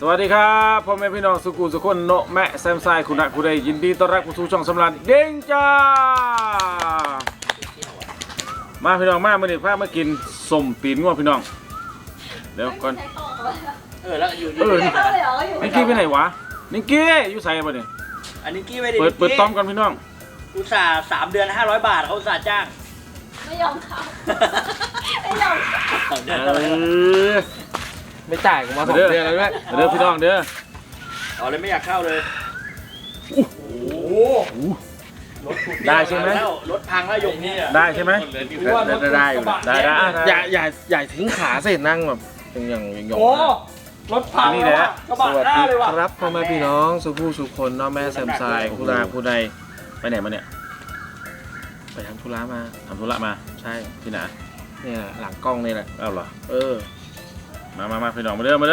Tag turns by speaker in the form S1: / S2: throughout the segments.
S1: วัสดีครับพ่อแม่พี่น้องสุขุมสุขคนโนแม่แซมไซคุณนักคุณใดยินดีต้อนรับเข้าสู่ช่องสำราญเด้งจ้ามาพี่น้องมาเมื่อนี้พามากินส้มตีนงัวพี่น้องเดี๋ยวก่อน
S2: แล้วอยู่
S1: นิกกี้ไปไหนวะนิกกี้อยู่ใส่บ่เนี่ย
S2: อันนี้กี้ไม่ได้
S1: เปิดต้อมกันพี่น้อง
S2: อุตส่าห์3 เดือน500 บาทเขาอุตส่าห์จ้าง
S3: ไม่ยอมเขาไม่ยอม
S4: ไม่จ่ายกูมา2 เดือนแล้วด้วย
S1: เด้อพี่น้องเด้อ
S2: เอาเลยไม่อยากเข้าเลยโอ้โห
S1: ได้ใช่ไหม
S2: รถพังแล้วยกนี่
S1: ได้ใช่ไหม
S4: ได้อยู่
S1: ได้
S4: อย่าทิ้งขาเสร็จนั่งแบบอย่าง
S2: โอ้รถพัง
S1: นี่แหละ
S2: กระบะหน้าเลยว่ะ
S4: ครับพ่อแม่พี่น้องสุคนน้องแม่แซมไซผู้นาผู้ใด
S1: ไปไหนมาเนี่ย
S4: ไปทำธุระมาใช่
S1: ที่ไหน
S4: เนี่ยหลังกล้องนี่แหละ
S1: เอาเหรอมาพี่น้องมาเด้อ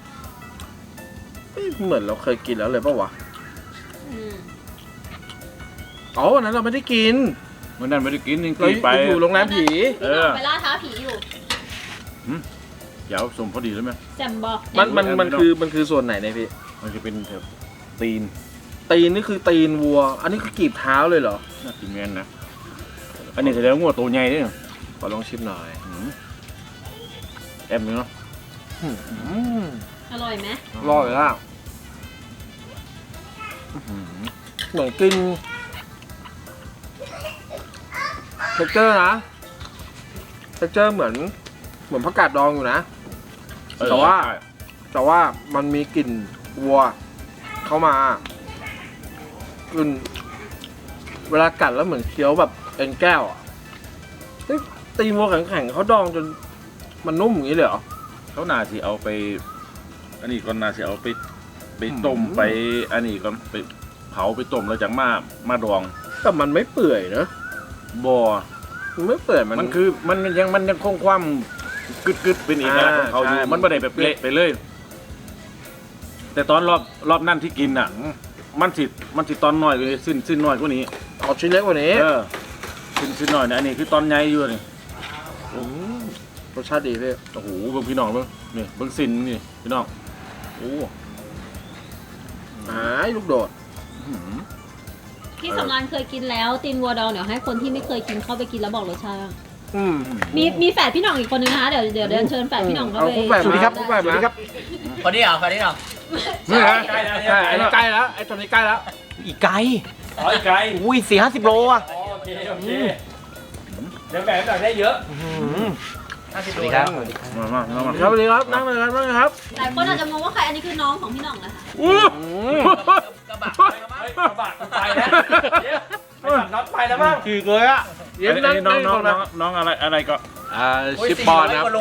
S4: เหมือนเราเคยกินแล้วเลยป่ะวะอ๋อวันนั้นเราไม่ได้กิน
S1: วันนั้นไม่ได้กินจริง
S4: ๆไปอยู่โรงแรมผี
S3: ไปล่าท้าผีอยู่
S1: เดี๋ยวสมพอดีแล้วไหม
S3: แซมบอก
S4: มันคือส่วนไหนเนี่ยพี่
S1: มันจะเป็นตีน
S4: นี่คือตีนวัวอันนี้คือกีบเท้าเลยเหรอ
S1: น่ากินแม่นนะอันนี้แสดงว่าตัวใหญ่ด้วย
S4: ขอลองชิมหน่อย
S1: แอมเนาะ
S3: อร่อยไหม
S4: อร่อยล่ะเหมือนกินเท็กเจอร์นะเท็กเจอร์เหมือนผักกาดดองอยู่นะแต่ว่ามันมีกลิ่นวัวเข้ามากลิ่นเวลากัดแล้วเหมือนเคี้ยวแบบเอ็นแก้วอ่ะตีนวัวแข็งๆเขาดองจนมันนุ่มอย่างนี้เลยเหรอ
S1: เขาน่าสิเอาไปอันนี้ก่อนน่าสิเอาไปต้มไปอันนี้ก่อนไปเผาไปต้มแล้วจากมาดอง
S4: แต่มันไม่เปื่อยนะ
S1: บ่
S4: มันไม่เปื่อย
S1: มันคือมันยังคงความกึดเป็นเอกลักษณ์ของเขาอยู่มันไม่ได้แบบเละไปเลยแต่ตอนรอบนั่นที่กินอ่ะมันสิตอนน้อยกว่านี้สิ้นน้อยกว่านี้
S4: เอาชิ้นเล็กกว่านี้
S1: สิ้นน้อยนะอันนี้คือตอนใหญ่อยู่นี่
S4: รสชาติดีพี่
S1: โอ้โหเบิ่งพี่น้องเบิ่งนี่เบิ่งสิ้นนี่พี่น้องโอ้
S4: ลูกโดด
S3: พี่สำรานเคยกินแล้วตีนวัวดองเดี๋ยวให้คนที่ไม่เคยกินเข้าไปกินแล้วบอกรสชาติมีแฝดพี่หน่องอีกคนนึงนะคะเดี๋ยวเดินเชิญแฝดพี่หน่องเข้าไป
S4: สวัสดีครับ
S2: คนนี้เหรอ
S4: นี่ฮะใกล้แล้วไอ้ตัวนี้ใกล้แล้ว
S2: อีกไกล
S4: อีกไกล
S2: อุ้ย40 โลอ่ะโอเคเดี๋ยวแบ่งได้เยอะ
S4: สวัสดีครับมาสวัสดีครับนั่งเลยครับ
S3: หลายคนอาจจะมองว่าใครอันนี้คือน้องของพี่หน่องนะคะ
S2: กระบะไปแล้วน็อตไปแล้วมั้ง
S4: คือเลยอ่ะ
S1: น้องอะไรก็
S4: ชิปปอนครับ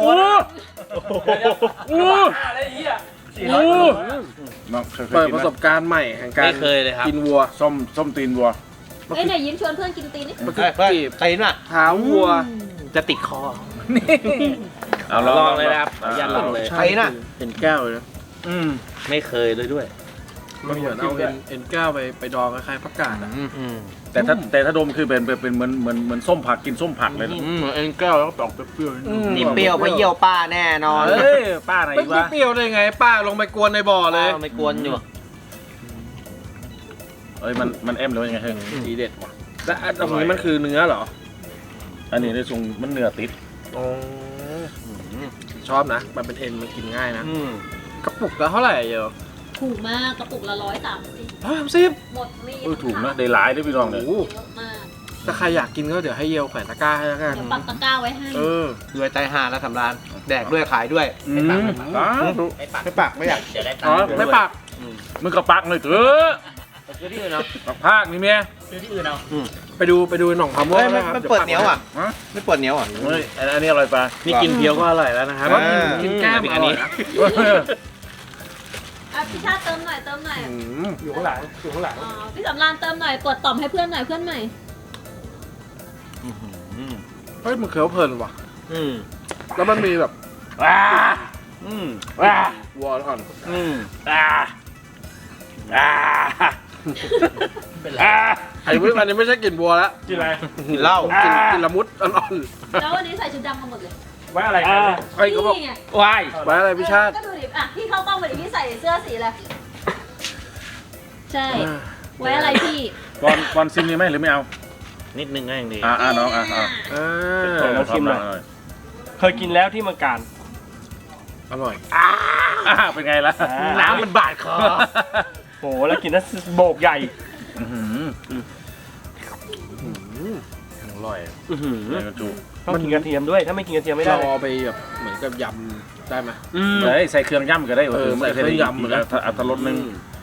S4: เปิดประสบการณ์ใหม่แห่งการกินวัว
S1: ส้มตีนวัว
S3: ไหนยิ้มชวนเพื่อนกินตีนนี่
S4: มันคือตีนอ่ะเท้าวัว
S2: จะติดคอ
S1: เอาลองเลยนะครับ
S4: ยันลองเลยใช่น่ะเอ็นแก้วเลยนะ
S2: ไม่เคยเลยด้วย
S4: มันเหมือนเอาเอ็นแก้วไปดองคล้ายๆผักกาดอ่ะ
S1: แต่ถ้าดมคือเป็นเหมือนส้มผักกินส้มผักเลย
S4: เหมือนเอ็นแก้วแล้วก็ออกเปรี้ยว
S2: นี่เปรี้ยวเพราะเยี่ยวป้าแน่นอน
S1: ป้าไหนวะ
S4: ไม่เปรี้ยวได้ไงป้าลงไปกวนในบ่อเลย
S2: ไม่กวนอยู่
S1: มันเอ็มหรือยังไงเฮ้ย
S4: ทีเด็ดว่ะแล้วตรงนี้มันคือเนื้อเหรอ
S1: อันนี้ในทรงมันเนื้อติด
S4: ชอบนะมันเป็นเอ็นมันกินง่ายนะกระปุกละเท่าไหร่เยอะ
S3: ถูกมากกระปุกละ130หมดนี่
S1: ถูกนะได้หลายด้วยพี่น้องเลย
S4: ถ้าใครอยากกินก็เดี๋ยวให้เยลแขวนตะกร้าให้แล้วกัน
S3: เดี๋ยวปักตะกร้าไว้ให้
S4: ด้วยใจหาแล้วสำราญแดกด้วยขายด้วยไม่ปักไม่อยากไม่ปัก
S1: มึงก็ปักเลยเถอะ
S4: ที่อื่นเนาะ
S1: ภาคนี่เมีย
S2: ที่อื่นเอา
S4: ไปดูหนองคำว่า
S2: ไม่เปิดเหนียวอ่ะไม่เปิดเหนียวอ่ะ
S1: อันนี้อร่อยปะ
S4: นี่กินเพียวก็อร่อยแล้วนะครับกินแก้มอันนี้
S3: พี่ชาติเติมหน่อย
S4: อยู่ข้างหลัง
S3: พี่สำรานเติมหน่อยกดต่อมให้เพื่อนหน่อยเพื่อนใหม่
S4: เฮ้ยมันเคี้ยวเพลินว่ะแล้วมันมีแบบวัวอ่อนไอ้พวกมันนี่ไม่ใช่กลิ่นวัวแล้ว
S1: กินอะไร
S4: กินเหล้ากินละมุดอ่อน
S3: แล้ววันนี้ใส่ชุดดำมาหมดเลย
S2: ไว้อะไรกันเนี่ย
S4: ไอ้เขาบอก
S3: นี่ไง
S2: วาย
S4: ไว้อะไรพี่ชาติ
S3: ก็ดูดิอ่ะพี่เข้ากล้องไปดิพี่ใส่เสื้อสีอะไรใช่ ไว้อะไรพี่
S1: บอลซิมนี่ไหมหรือไม่เอา
S2: นิดนึงก็ยังดี
S1: น้อง
S4: อ่า
S2: ลองชิมหน่อย เคยกินแล้วที่เมืองการ
S4: อร่อย
S1: เป็นไงล่ะ
S2: น้ำมันบาดคอโอ้แล้วกินนั้นโบกใหญ่
S1: อร่อยเลยกระจู
S2: ต้องกินกระเทียมด้วย ถ้าไม่กินกระเทียมไม่ได้
S4: เราเอาไปแบบเหมือนกับยำได้ไหม
S1: เลยใส่เครื่องย่ำก็ได้
S4: ใส่เครื่องยำเหมือนกัน
S1: อัตรสนึง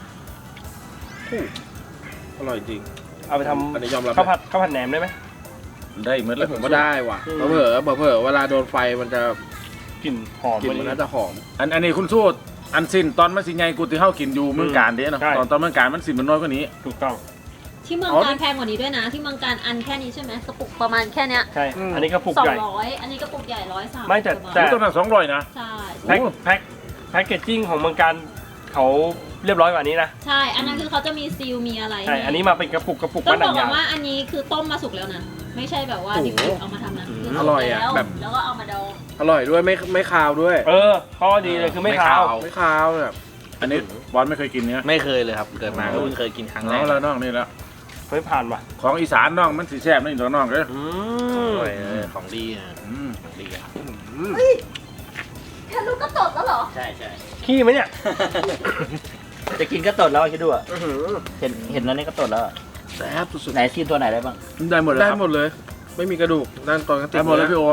S4: อร่อยจริง
S2: เอาไปท
S4: อันนี้ยอมรับ
S2: ำข้าวผัดแหนมได้ไหม
S1: ได้เหมือน
S4: แล้วผมก็ได้ว่ะเผลอเวลาโดนไฟมันจะ
S2: กลิ่นหอม
S4: กลิ่นมันน่าจะหอม
S1: อันนี้คุณสู้อันสิ้นตอนมันสิไงกูที่เฮากินอยู่เมืองการเด้เนาะตอนเมืองการมันสิมันน้อยกว่านี้
S2: ถูกต้อง
S3: ที่เมืองการแพงกว่านี้ด้วยนะ ที่เมืองการอันแค่นี้ใช่ไหมกระปุกประมาณแค่เนี้ย
S2: ใช่ อันนี้กระปุกใหญ่
S3: 200อันนี้กระปุกใหญ่130
S2: ไม่แต่
S1: ตัวนั้น200นะ
S3: ใช่
S2: แพ็คเกจจิ้งของเมืองการเขาเรียบร้อยกว่านี้นะ
S3: ใช่ อันนั้นคือเขาจะมีซีลมีอะไร
S2: ใช่ อันนี้มาเป็นกระปุก
S3: ต้อ
S2: ว่าง หนั
S3: บอก
S2: ง
S3: ก่
S2: ยา
S3: อน
S2: ว
S3: ว่าอันนี้คือต้มมาสุกแล้วนะ ไม่ใช่แบบว่าดิบๆเอามาทำนะคือ
S4: อร่อยอ่ะ
S3: แล้ว
S4: แบบ
S3: แล้วก็เอามาดอง
S4: อร่อยด้วยไม่คาวด้วย
S2: ข้อดีเลยคือไม่คาว
S4: ไม่คาวแบบ
S1: อันนี้บอลไม่เคยกินเนี่ย
S5: ไม่เคยเลยครับ เกิดมาก็เพิ่งเคยกินครั้งแร
S1: น้อก งแล้วน้องนี่แล้ว
S2: ไม่ผ่านว่ะ
S1: ของอีสานน้องมันสีแซ่บนี่ตัวน้องเลย
S5: อร่อยของดีนะของดีครับ
S3: แค่ลูกก็ตดแล้วเหรอ
S5: ใช่ใช่
S2: ขี้ไหมเนี่ย
S5: จะกินก็ตดแล้วคิดดูอ่ะเห็นแล้วนี่ก็ตดแล้ว
S4: แซ่บสุด
S5: ไหนชิมตัวไหนได้บ้าง
S1: ได้หมดเลย
S4: ได้หมดเลย ไม่มีกระดูกนั่นตอนกันติ
S1: ได้หมดเลยพี่โอ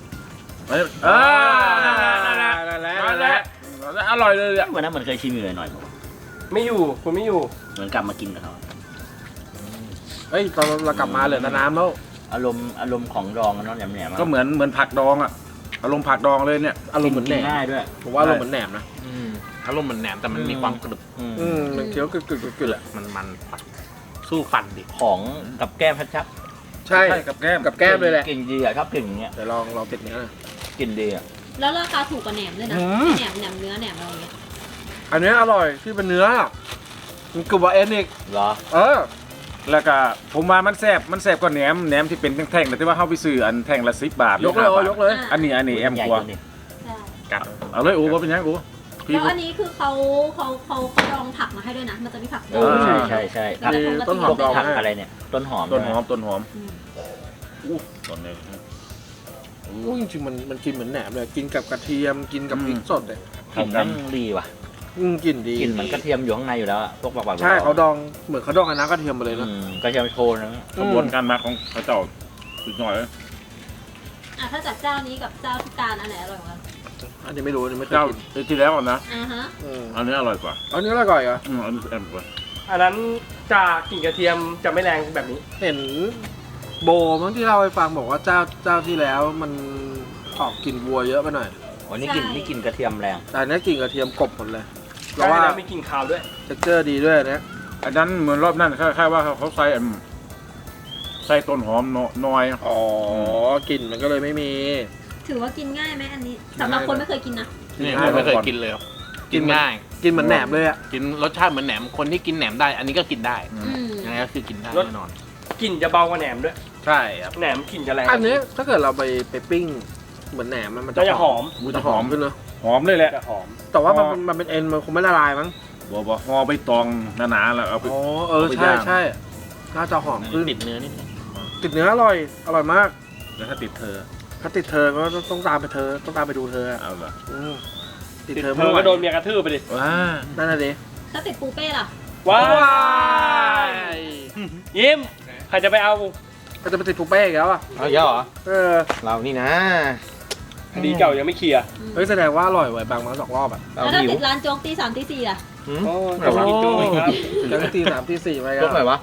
S1: นั่นแหละอร่อยเลยอ่ะ
S5: วันนั้นมันเคยชิมอยู่หน่อย
S2: ไม่อยู่ คุณไม่อยู่
S5: เหมือนกลับมากินกับเขา
S4: เฮ้ยตอนเรากลับมาเหลือแต่น้ำแล้ว
S5: อารมณ์ของดองกันเนาะแหนมๆ
S1: ก็เหมือนผักดองอ่ะอารมณ์ผักดองเลยเนี่ย
S4: อารมณ์เหมือนแหนม
S5: ง่ายด้วย
S4: ผมว่าอารมณ์เหมือนแหนมนะ
S5: อารมณ์เหมือนแหนมแต่มันมีความกรึบ
S4: มันเคี้ยวกึ่แหละ
S5: มันสู้ฟันดิของกับแก้มชัด
S4: ใช่
S1: กับแก้ม
S4: กับแก้มเลยแหละ
S5: กลิ่นดีอ่ะชอบกลิ่นอย่างเงี้ย
S4: เดี๋ยวลองติดเนื้อหน่อย
S5: กลิ่นดีอ่ะ
S3: แล้วราคาถูกกว่าแหนมด้วยนะแหนมเนื้อแหนมอะไรอย่างเงี้ย
S4: อันนี้อร่อยที่เป็นเนื้อมันกรึบว่าเอ็นอีก
S5: เหรอ
S1: แล้วก็ผมว่ามันแซ่บกว่าแหนมที่เป็นแท่งๆแต่ที่ว่าเข้าไปซื้ออันแท่งละ10 บาท
S4: ยกเลย
S1: อันนี้แอม
S5: ใหญ่
S1: กว่า
S5: ตัวนี้
S3: ใช่
S1: เอาเลยโอ้ก็เป็นยังกูพี่
S3: แล้วอันนี้คือเขาดองผักมาให้ด้วยนะ มันจะมีผักดอง
S5: ใช่
S3: แล้วก็
S4: ต้นหอมดอง
S5: ผักอะไรเนี่ยต้นหอม
S1: ต้นหอม
S3: อืม
S1: ต้นนี้
S4: อู้จริงๆมันกินเหมือนแหนมเลยกินกับกระเทียมกินกับพริกสดเลย
S5: กลิ่นมันดีว่ะ
S4: กลิ่นดี
S5: กลิ่นเหมือนกระเทียมอยู่ข้างในอยู่แล้วอะพวกปักๆ
S4: ใช่เขาดองเหมือนเขาดองกับน้ำกระเทียมมาเลยนะ
S5: กระเทียมโชนนะ
S1: กระบวนการมาของพระเจ้าสุดยอดเลย
S3: อ่ะถ้าจากเจ้านี้กับเจ้าที่การอันไหนอร่อยกว่า
S4: อันนี้ไม่รู้อันนี้ไม่เคย
S1: เจ้า
S4: กิน
S1: ที่แล้วนะ
S3: อ่าฮะ
S1: อันนี้อร่อยกว่า
S4: อันนี้อร่อยเหรอ
S1: อันนี้แอมกว่า
S2: อันนั้นจะกลิ่นกระเทียมจะไม่แรงแบบนี้
S4: เห็นโบมั้งที่เล่าให้ฟังบอกว่าเจ้าที่แล้วมันออกกลิ่นวัวเยอะไปหน่อย
S5: วันนี้กลิ่นกระเทียมแรง
S4: แต่อันนี้กลิ่นกระเทียมกลบหมดเลยเพ
S2: แล้ว
S4: ราะว่า
S2: ว่าไม่กลิ่นคาวด้วย
S4: เท็กเจอร์ดีด้วยอันเนี้ย
S1: อันนั้นเหมือนรอบนั้นคล้ายๆว่าเขาใส่ต้นหอมน้อย
S4: อ๋อกลิ่นมันก็เลยไม่มี
S3: ถือว่ากินง่ายไหมอันนี้สำหรับคนไม่เคยกินนะ
S5: นี่ผมไม่เคยกินเลยครับกินง่าย
S4: กินเหมือนแหนมเลยอ่ะ
S5: กินรสชาติเหมือนแหนมคนที่กินแหนมได้ อันนี้ก็กินได้
S3: อืม
S5: ยังไงก็คือกินได้
S2: รส
S5: แน่นอน
S2: กลิ่นจะเบากว่าแหนมด้วย
S5: ใช่ครับ
S2: แหนมกลิ่นจะแรง
S4: อันนี้ถ้าเกิดเราไปปิ้งเหมือนแหนมมัน
S2: จะหอม
S1: มัน
S4: จะ
S1: จะ
S4: ห
S1: ห
S4: อ
S1: อ
S4: ม
S1: ม
S4: ขึ้นเนอะ
S1: หอมเลยแหละ
S2: จะหอม
S4: แต่ว่ามันเป็นเอ็นมันคงไม่ละลายมั้ง
S1: บอกห่อใบตองหนาๆแล้วเอาไป
S4: อ๋อ
S1: เอาไป
S4: ใช่
S1: ย่าง
S4: ใช่น่าจะหอมขึ้น
S5: ติดเนื้อนิดนึง
S4: ติดเนื้ออร่อยมาก
S1: แล้วถ้าติดเธอ
S4: ถ้าติดเธอก็ต้องตามไปเธอต้องตามไปดูเธอ
S1: เอาละ
S4: ติด
S2: ติด
S4: เธอ
S2: เธ
S4: ไม่
S2: อ
S4: ไหว
S2: ก็โดนเมียกระทืบไปดิ
S1: ว้า
S4: นั่นน่ะดิ
S3: ถ้าติดปูเป้ล่ะ
S2: ว้ายยิ้มใครจะไปเอา
S4: ก็จะไปติดปูเป้อีกแล้วอ่ะ
S5: เอาเยอะเหรอ เรานี่นะ
S2: คดีเก่ายังไม่เคลียร์
S4: เฮ้ยแสดงว่าอร่อยไว้บางมา2 รอบอ่ะ
S5: เรา
S3: แล้วถ้า
S5: หิว
S3: ติดร้านโจ๊กตี 3 ตี 4ล่ะ
S2: โอ้ยต้องกินจุ้ยครับ
S4: แล้วก็ตี3ตี4ไป
S5: ยกหน่อยวะ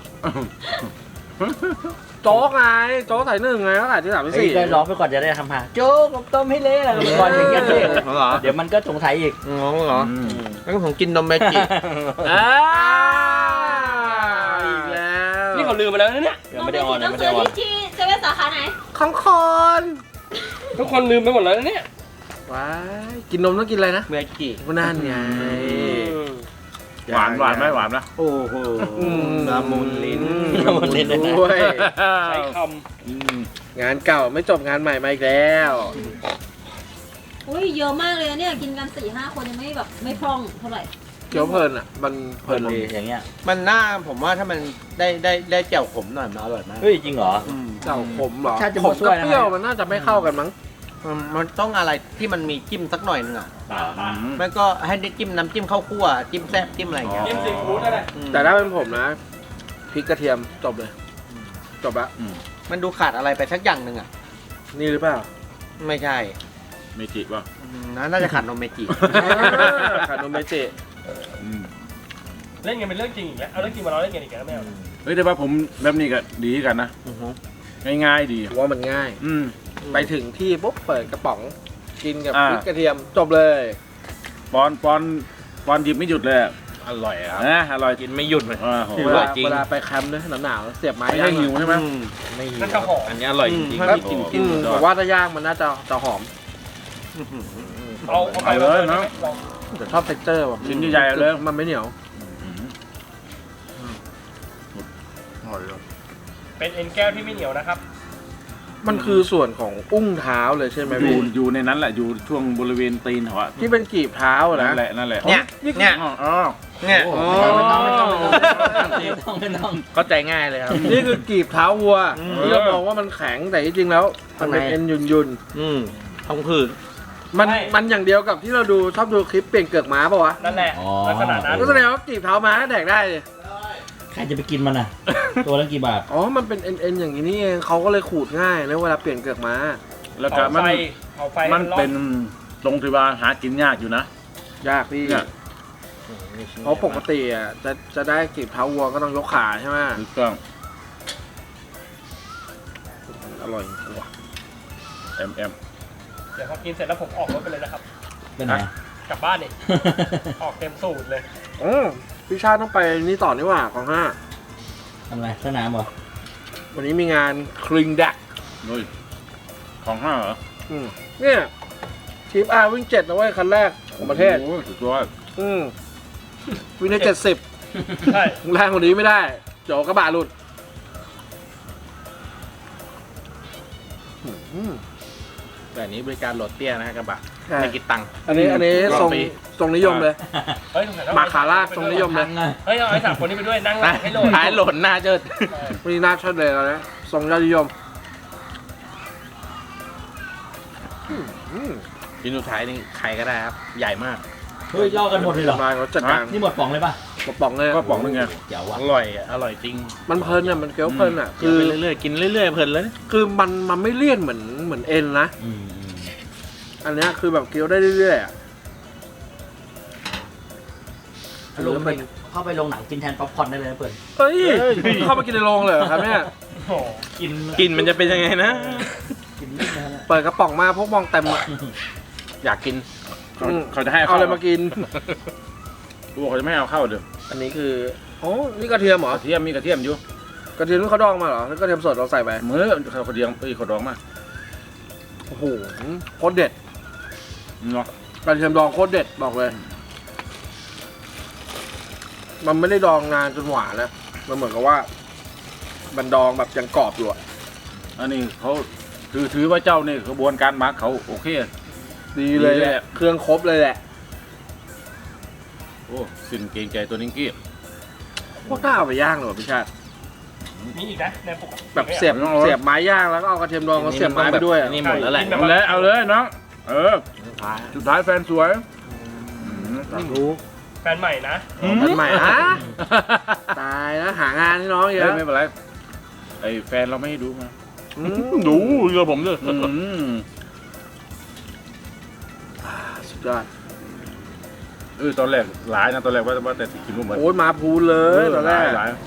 S4: โจ๊กไงโจ๊กใส่1ไงแล้วใส่ที่3ที่
S5: ได้ร้องไปก่อนจะได้ทำหาโจ๊กต้มให้เละอะไรก่อนอย่างเงี้ยเเดี๋ยวมันก็สงสัยอีก
S4: งงเหรอแล้วก็ผมกินนมเมจิ อีกแล้ว
S2: นี่เขาลืมไปแล้วนะเนี่ย
S5: ยังไม่ได้ออน
S3: ต้
S5: ยั
S3: อง ง
S5: ไม่
S3: ซื้
S5: ได้
S3: อ
S5: ออน
S3: ที่เซเว่นสาขาไหน
S4: ของคน
S2: ทุกคนลืมไปหมดแล้วนะเนี่ย
S4: ว้ายกินนมต้องกินอะไรนะ
S5: เมจิ
S4: นั่นไง
S1: หวานไหมหวานนะ
S5: โอ้โห
S4: ละมุนลิ้น
S5: ละมุนลิ้นเลยนะ
S4: ด้วย
S2: ใช้ค
S4: งานเก่าไม่จบงานใหม่มาอีกแล้ว
S3: อุ้ยเยอะมากเลยนะเนี่ยกินกัน 4-5 คนยังไม่แบบไม่พร่องเท่าไหร่
S4: เกี๊ยวเพลินอ่ะมันเพ
S5: เพ
S4: ลิ
S5: ลิ
S4: น
S5: นดีอย่างเงี้ย
S6: มันน่าผมว่าถ้ามันได้แจ่วขมหน่อยมันอร่อยมาก
S5: เฮ้ยจริงเหรอ
S4: เจ้าขมเหรอ
S5: ชาติจะ
S4: ข
S5: มาม ช่
S4: กั
S5: ว
S4: บ
S5: ยนะ
S4: เปรี้ยวมันน่าจะไม่เข้ากันมั้ง
S6: มันต้องอะไรที่มันมีจิ้มสักหน่อยนึงอ่ะ
S1: อืม
S6: มันก็ให้ได้จิ้มน้ำจิ้มข้าวคั่วจิ้มแซ่บจิ้มอะไรอย่างเงี้ย
S2: จิ้มซีฟู้ดได้เลย
S4: แต่ถ้าเป็นผมนะพริกกระเทียมจบเลยจบละ
S6: มันดูขาดอะไรไปสักอย่างหนึ่งอ่ะ
S4: นี่หรือเปล่า
S6: ไม่ใช่
S1: เมจิป่ะ
S6: น่าจะขาดนมเมจิ
S4: ขาดนมเมจิ
S1: อืม
S2: เล่นกันเป็นเรื่องจริงอีกแล้วเอาเรื่องจริงมาเราเล่นกันอีกแล้วไม่เอา
S1: เฮ้ยแต่ว่าผมแบบนี้ก็ดีกันนะง่ายๆดี
S4: ว่ามันง่าย
S1: อืม
S4: ไปถึงที่ปุ๊บเปิดกระป๋องกินกับ
S1: อ่า
S4: พริกกระเทียมจบเลย
S1: ปอนหยิบไม่หยุดเลยอะ
S6: อร่อยครับ
S1: นะอร่อย
S6: กินไม่หยุดเลย
S1: โห
S4: เวลาไปแคมป์เนี่ยหนาวๆเสียบไม้
S1: ไม่ใช่หิวใช่ไหม
S6: ไม่หิว
S2: นั่นจะหอม
S6: อันนี้อร่อยจริง
S4: แล้ว
S6: กิน
S4: อืมผมว่าถ้าย่างมันน่าจะหอม
S2: เอาไปเลยนะ
S4: แต่ชอบเท็กเจอร์แบบ
S1: ชิ้นใหญ่ๆเลย
S4: มันไม่เหนียว
S2: เป็นเอ็นแก้วที่ไม่เหนียวนะครับ
S4: มันคือส่วนของอุ้งเท้าเลยใช่ไหม
S1: อยู่
S4: พี่
S1: อยู่ในนั้นแหละอยู่ช่วงบริเวณตีนเขาอะ
S4: ที่เป็นกีบเท้าอะนะ
S1: นั่นแหละ
S6: เนี่ยเนี่ย
S1: อ๋อ
S6: เนี่ย
S4: อ๋อ
S5: ไม่ต้องไม่ต้องไม่ต้อง
S6: เข้าใจง่ายเลยครับ
S4: นี่คือกีบเท้าวัว
S6: อืม
S4: ที่เรามองว่ามันแข็งแต่จริงๆแล้วมันเป็น
S6: ข้างใน
S4: เอ็นยุ่น
S6: ท้องผืด
S4: ๆมันอย่างเดียวกับที่เราชอบดูคลิปเปลี่ยนเกือกม้าป่ะวะ
S2: นั่นแหละลักษณะนั้น
S4: ก็แสดงว่ากีบเท้าม้าก็แดกได้เลย
S5: ใครจะไปกินมันอ่ะ ตัวละกี่บาท
S4: อ๋อมันเป็นเอ็นอย่างนี้นี่เองเขาก็เลยขูดง่ายนะเวลาเปลี่ยนเกือกม้า
S1: แล้วก็มัน
S2: เอาไฟ
S1: มันเป็นตรงที่ว่าหากินยากอยู่นะ
S4: ยากพี่
S1: เนี่ย
S4: เพราะปกติอ่ะจะได้กีบเท้าวัวก็ต้องยกขาใช่ไหม
S1: ถูกต้อง
S4: อร่อยจริงว่ะ
S1: แอม
S2: เดี๋ยวพอกินเสร็จแล้วผมออกรถไปเลยนะครับ
S5: เป็นไง
S2: กลับบ้านนี่ออกเต็มสูตรเลย
S4: อ๋อพี่ชาติต้องไปนี่ต่อนี่หว่าของห้า
S5: ทำไรสนามเหรอ
S4: วันนี้มีงานคลิงแดก
S1: เฮ้ยของห้าเหรอ
S4: เนี่ยทีมอาวิ่ง7นะเว้ยคันแรกของประเทศ
S1: โอ้โหสุดยอด
S4: วิ่งได้70
S2: ใช่
S4: แรงกว่านี้ไม่ได้เดี๋ยวกระบะหลุด
S6: แต่อันนี้บริการโหลดเตี้ยนะฮะกระบะ
S4: ใช่
S6: ไม่คิดตังค์
S4: อันนี้ทรงทรงนิยมเลย
S2: เฮ้ยสงสัยต้อง
S4: หมาขาลากทรงนิยมเลย
S2: เฮ้ยเอาไอ้สามคนนี้ไปด้วยนั่งหลังให้โหลด
S6: ท้ายโหลดหน้าเจิด
S4: วันนี้น่าชอบเลยแล้วนะทรงยอดนิยม
S6: ชิ้นสุดท้ายนี่ใครก็ได้ครับ ใหญ่มาก
S5: เฮ้ยย่อกันหมดเลยเหรอ
S4: มาเขาจัดการ
S5: นี่หมดป๋องเลยป่ะ
S4: กระป๋องเลย
S1: ก็ป๋องนึงไง
S5: เจ๋วว่ะ
S6: อร่อยอ่ะ อร่อยจริง
S4: มันเพลินอ่ะมันเคี้ยวเพลินอ่ะ
S6: กิน
S4: คือ
S6: ไปเรื่อยๆ กินเรื่อยๆ เพลินเลย
S4: คือมันไม่เลี่ยนเหมือนเอ็นนะ อันเนี้ยคือแบบเคี้ยวได้เรื่อยๆอ่ะ
S5: ลงไปเข้าไปโรงหนังกินแทนป๊อปคอร์นได้เลยนะเปิด
S4: เฮ้ยเข้ามากินในโรงเลยเหรอครับเนี่ย
S2: โอ้โห
S5: กิน
S6: กินมันจะเป็นยังไงนะ
S5: กินนิดนะฮะ
S4: เปิดกระป๋องมาพวกมองเต็มอ่ะ
S6: อยากกิน
S1: เขาจะให้
S4: เอาอะไรมากิน
S1: กูบอกเขาจะไม่ให้เอาเข้าเดี๋ยว
S4: อันนี้คืออ๋อนี่กระเทียมเหรอก
S1: ระเทียมมีกระเทียมอยู่
S4: กระเทียมที่เขาดองมาเหรอแล้วกระเทียมสดเราใส่ไป
S1: มือเขากระเทียมเขาดองมา
S4: โอ้โหโคตรเด็ด
S1: เนาะ
S4: กระเทียมดองโคตรเด็ดบอกเลย มันไม่ได้ดองนานจนหวานนะมันเหมือนกับว่า มันดองแบบยังกรอบอยู่อะ
S1: อันนี้เขาถือว่าเจ้านี่กระบวนการหมักเขาโอเค
S4: ดีเลยแหละเครื่องครบเลยแหละ
S1: โอ้สิ้นเกรงใจตัวนิ้งกี้
S4: โคตรน่าเอาไปย่างเลยว่ะพี่ชาติ
S2: มีอีกนะในปกติ
S4: แบบเสียบไม้ย่างแล้วก็เอากระเทียมดองมาเสียบไม้ไปด้วยอะ
S6: นี่หมดแล้วแหละ
S1: เอาเลยน้องสุดท้ายแฟนสวย
S4: รู้
S2: แฟนใหม่นะ
S4: มันใหม่ฮะตายแล้วหางานให้น้องเย
S1: เอ้ย
S4: อะ
S1: ไม่เป็นไรไอ้แฟนเราไม่ให้ดูมา
S4: อืม
S1: ดูเรือผมเลย
S4: สุดยอด
S1: ตอนแรกหลายนะตอนแรกว่าแต่สิกินรูปเหมือน
S4: โอ้ยมาพูนเลยตอนแรก
S1: หลาย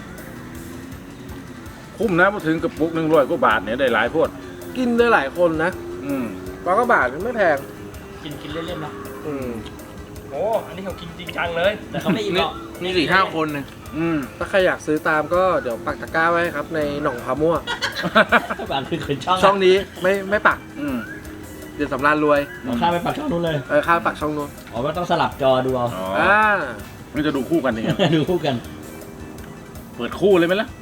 S1: คุ้มนะพอถึงกระปุก100 กว่าบาทเนี่ยได้หลายโพด
S4: กินได้หลายคนนะ
S1: อืม
S4: ร้อยกว่าบาทไม่แพง
S5: กินเล่นๆนะ
S4: อืม
S2: โอ้อันนี้เขากินจริงจังเลย
S5: แต่เขาไม่อิ่มหรอก
S6: นี่4-5 คนเลย
S1: อืม
S4: ถ้าใครอยากซื้อตามก็เดี๋ยวปักตะกร้าไว้ครับในหนองพามั่ว
S5: บางคือคืนช่อง
S4: ช่องนี้ไม่ปัก
S1: อืม
S4: เดี๋ยวสำราญรวย
S5: เอาข้ามไปปักช่องนู้นเลย
S4: ข้าปักช่องนู้น
S5: อ๋อว่าต้องสลับจอดูเอา
S1: อ๋อ
S4: อ่า
S1: มันจะดูคู่กันยังไง
S5: ดูคู่กัน
S1: เปิดคู่เลยไหมล่ะ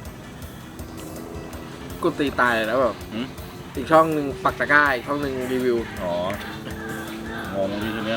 S4: กูตีตายแล้วแบบ
S1: หืม
S4: อีกช่องหนึ่งปักตะกร้าอีกช่องหนึ่งรีวิว
S1: อ๋องงดีทีเนี้ย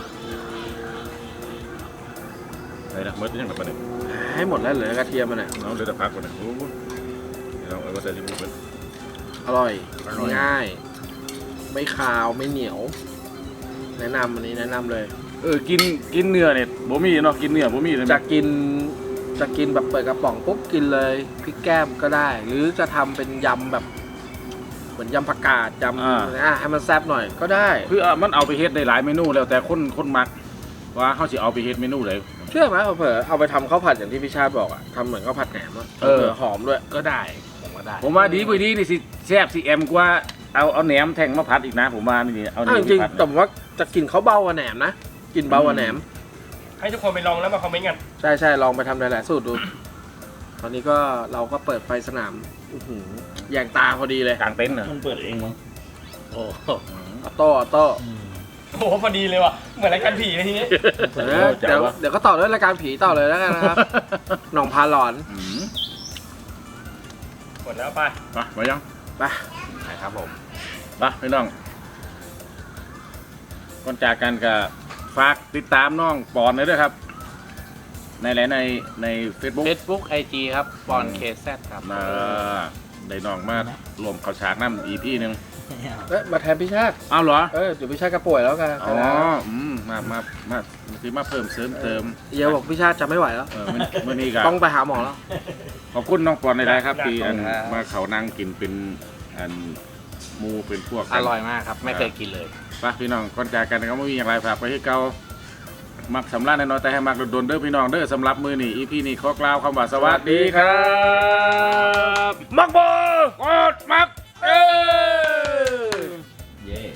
S1: ไหนนะเมื่อยังแบบนี้
S4: ให้หมดแล้วเหลือกระเทียมมันอ่ะ
S1: น้องเดือดพักก่อนนะโอ้โหเราเอาไว้ใส่ที่มือเป็น
S4: อร่อย
S1: อร่อย
S4: ง่าย ไม่คาวไม่เหนียว แนะนำอันนี้แนะนำเลย
S1: กินเนื้อเนี่ยบ่มีเนาะกินเนื้อบ่มีเลย
S4: จะกินแบบเปิดกระป๋องปุ๊บกินเลยพริกแก้มก็ได้ หรือจะทำเป็นยำแบบเหมือนยำผักกาดยำให้มันแซ่บหน่อยก็ได้
S1: คือมันเอาไปเฮ็ดได้หลายเมนูแล้วแต่คนมักว่าเขาสิเอาไปเฮ็ดเมนูไหน
S4: เชื่อไหมเผลอเอาไปทำข้าวผัดอย่างที่พี่ชาติบอกอะทำเหมือนข้าวผัดแหนมอะ
S1: เออ
S4: หอมด้วย
S6: ก็ได้ผมก็ได้
S1: ผมว่าดีกว่าดีนี่สิแซ่บสิแอมกว่าเอาแหนมแทงมาผัดอีกนะผมว่านี่เอาแหน
S4: อ้าว
S1: ม
S4: จริง
S1: ผัด
S4: ๆแต่ผมว่าจะกินเขาเบากว่าแหนมนะกินเบากว่าแหนม
S2: ให้ทุกคนไปลองแล้วมาคอมเมนต์กัน
S4: ใช่ลองไปทำหลายๆสูตรดู ตอนนี้ก็เราก็เปิดไฟสนามแยงตาพอดีเลย
S1: กลางเต็นท์เหรอ
S5: มันเปิดเองมั้ง
S6: โอ้
S4: ออโต้
S2: โอ้โหพอดีเลยว่ะเหมือนรายการผีเลยทีนี้
S4: เดี๋ยวก็ต่อด้วยรายการผีต่อเลยแล้วกันนะครับ หนองพาหลอน
S1: อืม
S2: หมดแล้วไป
S1: มายัง
S4: ไป
S6: ครับผม
S1: ไปพี่น้องก่อนจากกันก็ฝากติดตามน้องปอนเลยด้วยครับ ใน Facebook
S6: Facebook IG ครับปอนเคแซครับ
S1: ได้น้องมารวมเขาฉากน้ำอีพี่หนึ่ง
S4: มาแทนพี่ชาติ
S1: อ้าวเหรอ
S4: เดี๋ยวพี่ชาติก็ป่วยแล้วกัน
S1: อ๋อคือมาเพิ่มเสริมเติม
S4: เดี๋ยวบอกพี่ชาติจะไม่ไหวแล้ว
S1: มื่อนี้ก็
S4: ต้องไปหาหมอแล้ว
S1: ขอบคุณน้องปอนในไลน์ครับที่
S6: ขอบคุณครับ
S1: มาเขานั่งกินเป็นอันหมูเป็นพวก
S6: อร่อยมากครับ ไม่เคยกินเลย
S1: ไปพี่น้องก่อนจากกันก็ไม่มีอย่างไรฝากไปให้เก่ามักสำลักน้อยๆแต่ให้มักโดนๆเด้อพี่น้องเด้อสำหรับมือนี่อีพีนี่ขอกล่าวคำว่าสวัสดีครับมักบ่กดมัก